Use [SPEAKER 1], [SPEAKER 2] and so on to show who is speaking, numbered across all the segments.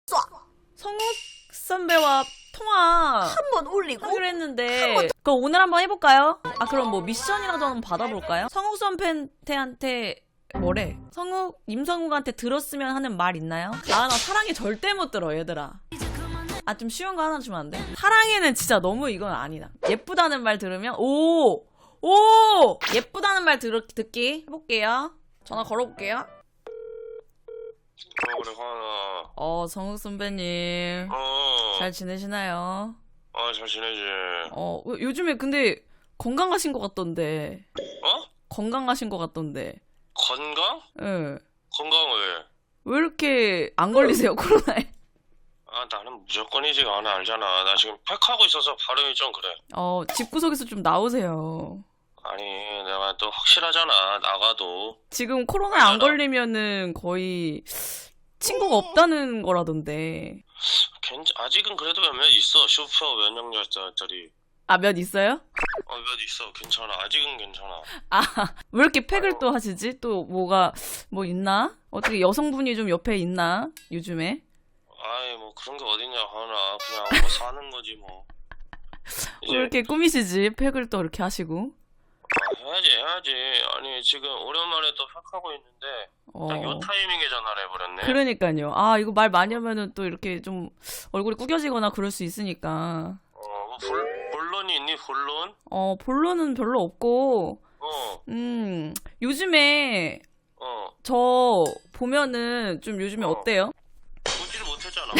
[SPEAKER 1] 성욱 선배와 통화
[SPEAKER 2] 한번 올리고
[SPEAKER 1] 하기로 했는데 그럼 오늘 한번 해볼까요? 아 그럼 뭐 미션이라도 한번 받아볼까요? 성욱 선배한테 뭐래? 임성욱한테 들었으면 하는 말 있나요? 아 나 사랑해 절대 못 들어 얘들아. 아 좀 쉬운 거 하나 주면 안 돼? 사랑해는 진짜 너무 이건 아니다. 예쁘다는 말 들으면 오 예쁘다는 말 듣기 해볼게요. 전화 걸어볼게요.
[SPEAKER 3] 그래 하나.
[SPEAKER 1] 성욱 선배님 잘 지내시나요?
[SPEAKER 3] 잘 지내지.
[SPEAKER 1] 요즘에 근데 건강하신 것 같던데.
[SPEAKER 3] 어?
[SPEAKER 1] 건강하신 것 같던데.
[SPEAKER 3] 건강?
[SPEAKER 1] 예.
[SPEAKER 3] 건강 왜?
[SPEAKER 1] 왜 이렇게 안 걸리세요 코로나에?
[SPEAKER 3] 나는 무조건이지. 나 알잖아. 나 지금 팩하고 있어서 발음이 좀 그래.
[SPEAKER 1] 집구석에서 좀 나오세요.
[SPEAKER 3] 아니 내가 또 확실하잖아. 나가도.
[SPEAKER 1] 지금 코로나에 안 걸리면은 거의 친구가 없다는 거라던데.
[SPEAKER 3] 아직은 그래도 몇몇 있어. 슈퍼 면역력자리.
[SPEAKER 1] 몇 있어요?
[SPEAKER 3] 몇 있어. 괜찮아. 아직은 괜찮아.
[SPEAKER 1] 왜 이렇게 팩을 또 하시지? 또 뭐 있나? 어떻게 여성분이 좀 옆에 있나? 요즘에?
[SPEAKER 3] 뭐 그런 게 어딨냐 하나. 그냥 뭐 사는 거지 뭐.
[SPEAKER 1] 왜 이렇게 꾸미시지? 팩을 또 이렇게 하시고.
[SPEAKER 3] 해야지. 아니 지금 오랜만에 또 팩하고 있는데 딱 요 타이밍에 전화를 해버렸네.
[SPEAKER 1] 그러니까요. 이거 말 많이 하면은 또 이렇게 좀 얼굴이 구겨지거나 그럴 수 있으니까.
[SPEAKER 3] 본론이 있니? 본론?
[SPEAKER 1] 본론은 별로 없고. 요즘에 저 보면은 좀 요즘에 어때요?
[SPEAKER 3] 보지를 못했잖아.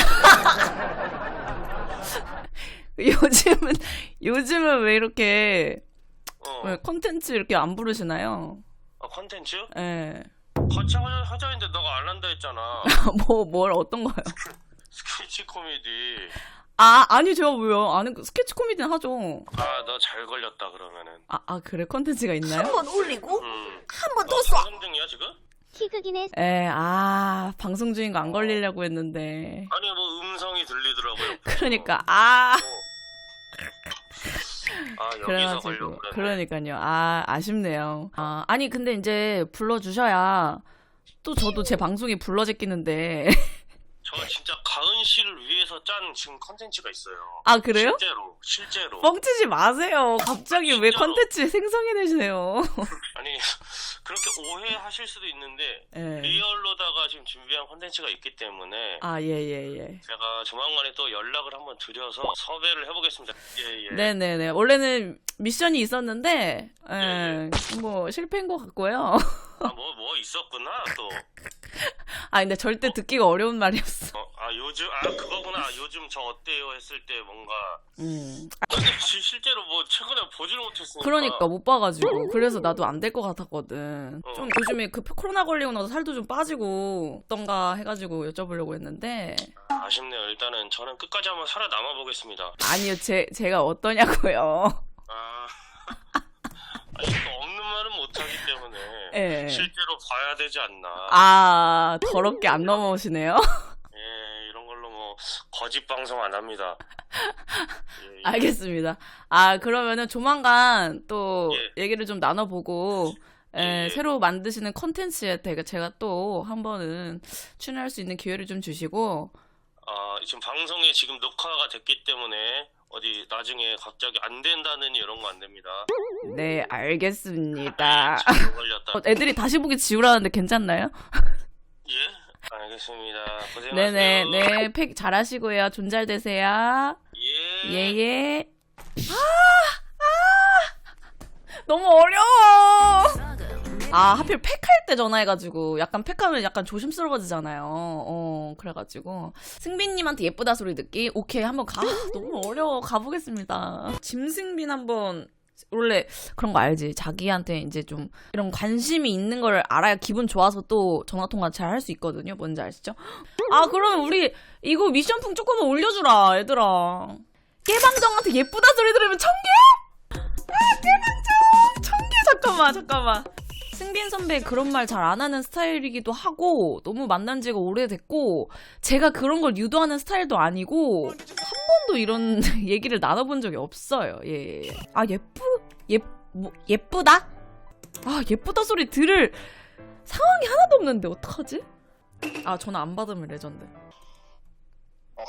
[SPEAKER 1] 요즘은 왜 이렇게 왜 컨텐츠 이렇게 안 부르시나요?
[SPEAKER 3] 컨텐츠?
[SPEAKER 1] 예.
[SPEAKER 3] 같이 하자 했는데 너가 안 한다 했잖아.
[SPEAKER 1] 뭘 어떤 거요?
[SPEAKER 3] 스케치 코미디.
[SPEAKER 1] 아니 제가 왜요? 아는 스케치 코미디는 하죠.
[SPEAKER 3] 너 잘 걸렸다 그러면은.
[SPEAKER 1] 그래 컨텐츠가 있나요?
[SPEAKER 2] 한번 올리고 한 번 더 쏴.
[SPEAKER 3] 방송 중이야 지금?
[SPEAKER 4] 희극인의
[SPEAKER 1] 방송 중인 거 안 걸리려고 했는데.
[SPEAKER 3] 아니 뭐 음성이 들리더라고요.
[SPEAKER 1] 그러니까
[SPEAKER 3] 여기서 걸려고 그러네.
[SPEAKER 1] 그러니까요. 아쉽네요. 아니 근데 이제 불러주셔야 또 저도 제 방송에 불러제끼는데.
[SPEAKER 3] 저 진짜 가은 씨를 위해서 짠 지금 컨텐츠가 있어요.
[SPEAKER 1] 그래요?
[SPEAKER 3] 실제로.
[SPEAKER 1] 뻥치지 마세요. 갑자기 왜 컨텐츠 생성해내세요?
[SPEAKER 3] 아니 그렇게 오해하실 수도 있는데
[SPEAKER 1] 네.
[SPEAKER 3] 리얼로다가 지금 준비한 컨텐츠가 있기 때문에
[SPEAKER 1] 예.
[SPEAKER 3] 제가 조만간에 또 연락을 한번 드려서 섭외를 해보겠습니다. 예.
[SPEAKER 1] 네네네. 원래는 미션이 있었는데 뭐 실패인 것 같고요.
[SPEAKER 3] 뭐 있었구나 또.
[SPEAKER 1] 근데 절대 듣기가 어려운 말이었어.
[SPEAKER 3] 요즘 그거구나. 요즘 저 어때요 했을 때 뭔가. 근데 실제로 뭐 최근에 보지를 못했으니까.
[SPEAKER 1] 그러니까 못 봐가지고 그래서 나도 안 될 것 같았거든. 좀 요즘에 그 코로나 걸리고 나서 살도 좀 빠지고 어떤가 해가지고 여쭤보려고 했는데.
[SPEAKER 3] 아쉽네요. 일단은 저는 끝까지 한번 살아남아 보겠습니다.
[SPEAKER 1] 아니요, 제가 어떠냐고요.
[SPEAKER 3] 또 없는 말은 못하기 때문에
[SPEAKER 1] 네.
[SPEAKER 3] 실제로 봐야 되지 않나.
[SPEAKER 1] 더럽게 안 넘어오시네요.
[SPEAKER 3] 이런 걸로 뭐 거짓 방송 안 합니다.
[SPEAKER 1] 알겠습니다. 그러면은 조만간 또 얘기를 좀 나눠보고 새로 만드시는 컨텐츠에 제가 또 한 번은 출연할 수 있는 기회를 좀 주시고.
[SPEAKER 3] 지금 방송이 지금 녹화가 됐기 때문에 어디 나중에 갑자기 안 된다는 이런 거 안 됩니다.
[SPEAKER 1] 네, 알겠습니다.
[SPEAKER 3] 잘 걸렸다.
[SPEAKER 1] 애들이 다시 보기 지우라는데 괜찮나요?
[SPEAKER 3] 예, 알겠습니다. 고생하세요.
[SPEAKER 1] 네네, 팩 잘하시고요. 존잘 되세요. 예. 너무 어려워. 하필 팩할 때 전화해가지고 약간 팩하면 약간 조심스러워지잖아요. 그래가지고 승빈님한테 예쁘다 소리 듣기. 오케이 한번 너무 어려워. 가보겠습니다. 짐승빈 한번. 원래 그런 거 알지? 자기한테 이제 좀 이런 관심이 있는 걸 알아야 기분 좋아서 또 전화통화 잘 할 수 있거든요. 뭔지 아시죠? 그러면 우리 이거 미션풍 조금만 올려주라 얘들아. 깨방정한테 예쁘다 소리 들으면 1000개? 깨방정 1000개. 잠깐만. 승빈 선배 그런 말 잘 안 하는 스타일이기도 하고 너무 만난 지가 오래됐고 제가 그런 걸 유도하는 스타일도 아니고 한 번도 이런 얘기를 나눠본 적이 없어요. 예. 예쁘다? 예쁘다 소리 들을 상황이 하나도 없는데 어떡하지? 전화 안 받으면 레전드.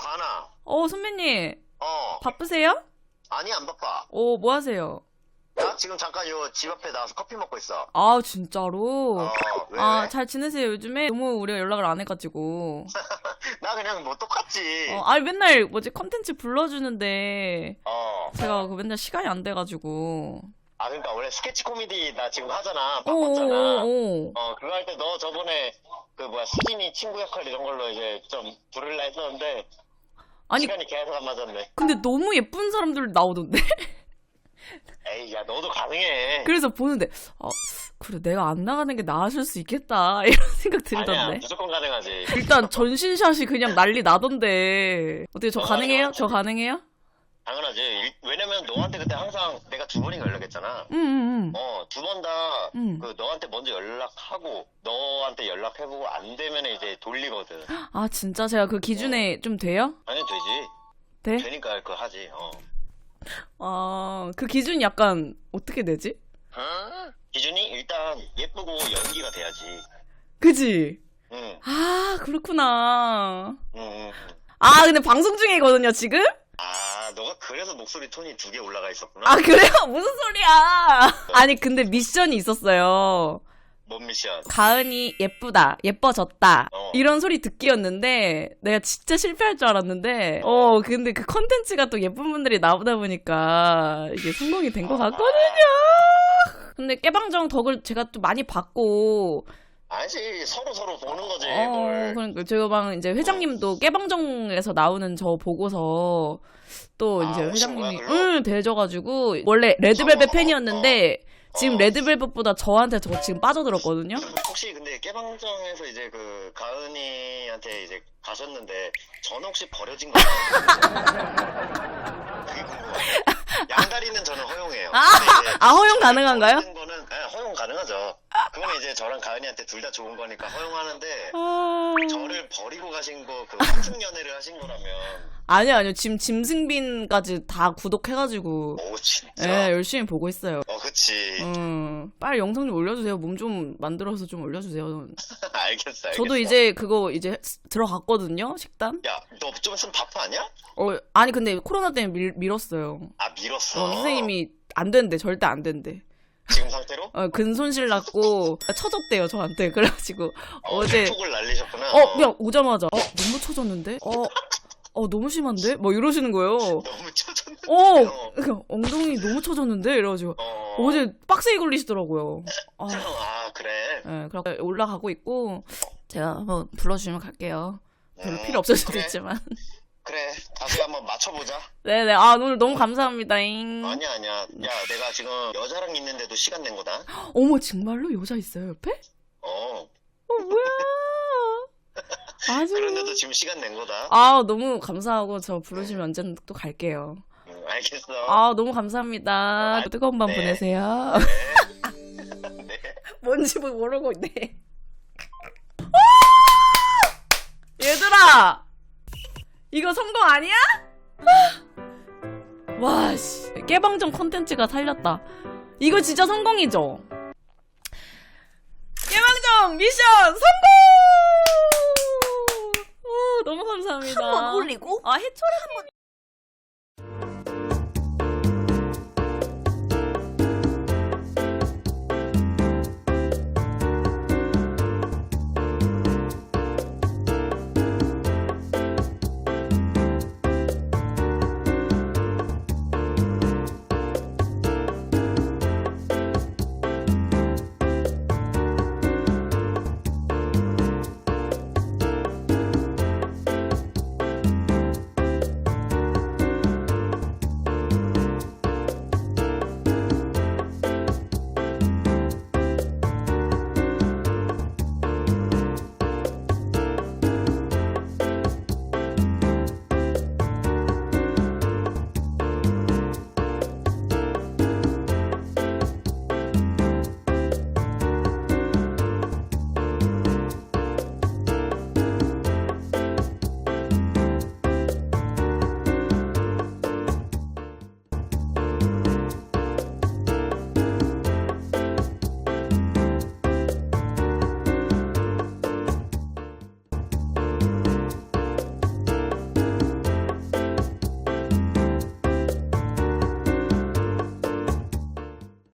[SPEAKER 3] 가은아.
[SPEAKER 1] 선배님.
[SPEAKER 3] 어.
[SPEAKER 1] 바쁘세요?
[SPEAKER 3] 아니, 안 바빠.
[SPEAKER 1] 뭐 하세요?
[SPEAKER 3] 나 지금 잠깐 요 집 앞에 나와서 커피 먹고 있어.
[SPEAKER 1] 아, 진짜로?
[SPEAKER 3] 왜?
[SPEAKER 1] 잘 지내세요, 요즘에? 너무 우리가 연락을 안 해가지고.
[SPEAKER 3] 나 그냥 뭐 똑같지.
[SPEAKER 1] 아니, 맨날 컨텐츠 불러주는데,
[SPEAKER 3] 어.
[SPEAKER 1] 제가 맨날 시간이 안 돼가지고.
[SPEAKER 3] 아, 그러니까 원래 스케치 코미디 나 지금 하잖아. 바꿨잖아.
[SPEAKER 1] 오.
[SPEAKER 3] 그거 할 때 너 저번에 수진이 친구 역할 이런 걸로 이제 좀 부를라 했었는데
[SPEAKER 1] 아니,
[SPEAKER 3] 시간이 계속 안 맞았네.
[SPEAKER 1] 근데 너무 예쁜 사람들 나오던데?
[SPEAKER 3] 에이, 야, 너도 가능해.
[SPEAKER 1] 그래서 보는데, 그래, 내가 안 나가는 게 나았을 수 있겠다. 이런 생각
[SPEAKER 3] 아니야,
[SPEAKER 1] 들던데.
[SPEAKER 3] 무조건 가능하지.
[SPEAKER 1] 일단 전신샷이 그냥 난리 나던데. 어떻게 저 가능해요? 저 가능해요?
[SPEAKER 3] 당연하지. 왜냐면 너한테 그때 항상 내가 2번인가 연락했잖아.
[SPEAKER 1] 응.
[SPEAKER 3] 2번 다 너한테 먼저 연락하고 너한테 연락해보고 안 되면 이제 돌리거든.
[SPEAKER 1] 아, 진짜 제가 그 기준에 좀 돼요?
[SPEAKER 3] 아니, 되지.
[SPEAKER 1] 돼?
[SPEAKER 3] 되니까 그거 하지.
[SPEAKER 1] 그 기준이 약간 어떻게 되지?
[SPEAKER 3] 기준이 일단 예쁘고 연기가 돼야지.
[SPEAKER 1] 그지?
[SPEAKER 3] 응.
[SPEAKER 1] 아, 그렇구나.
[SPEAKER 3] 응.
[SPEAKER 1] 아, 근데 방송 중이거든요, 지금?
[SPEAKER 3] 아, 너가 그래서 목소리 톤이 2개 올라가 있었구나.
[SPEAKER 1] 아, 그래요? 무슨 소리야? 아니, 근데 미션이 있었어요.
[SPEAKER 3] 뭔 미션?
[SPEAKER 1] 가은이 예쁘다, 예뻐졌다.
[SPEAKER 3] 어.
[SPEAKER 1] 이런 소리 듣기였는데, 내가 진짜 실패할 줄 알았는데, 근데 그 컨텐츠가 또 예쁜 분들이 나오다 보니까, 이게 성공이 된 것 같거든요! 근데 깨방정 덕을 제가 또 많이 받고,
[SPEAKER 3] 아니지, 서로 보는 거지, 뭘.
[SPEAKER 1] 그러니까 제가 막 이제 회장님도 깨방정에서 나오는 저 보고서, 또 이제
[SPEAKER 3] 오신 거야,
[SPEAKER 1] 회장님이,
[SPEAKER 3] 그걸로?
[SPEAKER 1] 대져가지고, 원래 레드벨벳
[SPEAKER 3] 어,
[SPEAKER 1] 팬이었는데, 지금 레드벨벳보다 저한테 저 지금 빠져들었거든요?
[SPEAKER 3] 혹시 근데 깨방정에서 이제 그 가은이한테 이제 가셨는데 저는 혹시 버려진 건가요? 그게 궁금해요. 양다리는 저는 허용해요. 근데 이제
[SPEAKER 1] 허용 가능한가요?
[SPEAKER 3] 버리는 거는 허용 가능하죠. 그거는 이제 저랑 가은이한테 둘 다 좋은 거니까 허용하는데 저를 버리고 가신 거 그 환승 연애를 하신 거라면
[SPEAKER 1] 아니요. 지금 짐승빈까지 다 구독해가지고,
[SPEAKER 3] 오 진짜?
[SPEAKER 1] 예, 열심히 보고 있어요.
[SPEAKER 3] 그치.
[SPEAKER 1] 빨리 영상 좀 올려주세요. 몸 좀 만들어서 좀 올려주세요.
[SPEAKER 3] 알겠어.
[SPEAKER 1] 저도 이제 그거 이제 들어갔거든요, 식단?
[SPEAKER 3] 야, 너 좀 있으면 바빠 아니야?
[SPEAKER 1] 아니, 근데 코로나 때문에 밀었어요.
[SPEAKER 3] 아, 밀었어.
[SPEAKER 1] 선생님이 안 된대, 절대 안 된대.
[SPEAKER 3] 지금 상태로?
[SPEAKER 1] 근손실 났고, 쳐졌대요, 저한테. 그래가지고, 어제,
[SPEAKER 3] 폭을 날리셨구나.
[SPEAKER 1] 그냥 오자마자, 너무 쳐졌는데? 너무 심한데? 뭐 이러시는 거예요.
[SPEAKER 3] 너무 쳐졌는데.
[SPEAKER 1] 그냥 엉덩이 너무 쳐졌는데? 이래가지고, 어제 빡세게 걸리시더라고요.
[SPEAKER 3] 그래.
[SPEAKER 1] 네, 그렇게 올라가고 있고, 제가 한번 불러주시면 갈게요. 별로 필요 없을 수도
[SPEAKER 3] 그래.
[SPEAKER 1] 있지만.
[SPEAKER 3] 그래, 다시 한번 맞춰보자.
[SPEAKER 1] 네네, 오늘 너무 감사합니다잉.
[SPEAKER 3] 아니야. 야, 내가 지금 여자랑 있는데도 시간 낸 거다.
[SPEAKER 1] 어머, 정말로 여자 있어요, 옆에? 뭐야. 아주.
[SPEAKER 3] 그런데도 지금 시간 낸 거다.
[SPEAKER 1] 너무 감사하고 저 부르시면 언제든 또 갈게요.
[SPEAKER 3] 알겠어.
[SPEAKER 1] 너무 감사합니다. 뜨거운 밤
[SPEAKER 3] 네.
[SPEAKER 1] 보내세요.
[SPEAKER 3] 네.
[SPEAKER 1] 뭔지 모르고 있네. 얘들아! 이거 성공 아니야? 와, 씨. 깨방정 콘텐츠가 살렸다. 이거 진짜 성공이죠? 깨방정 미션 성공! 너무 감사합니다.
[SPEAKER 2] 한번 올리고
[SPEAKER 1] 해초를 한번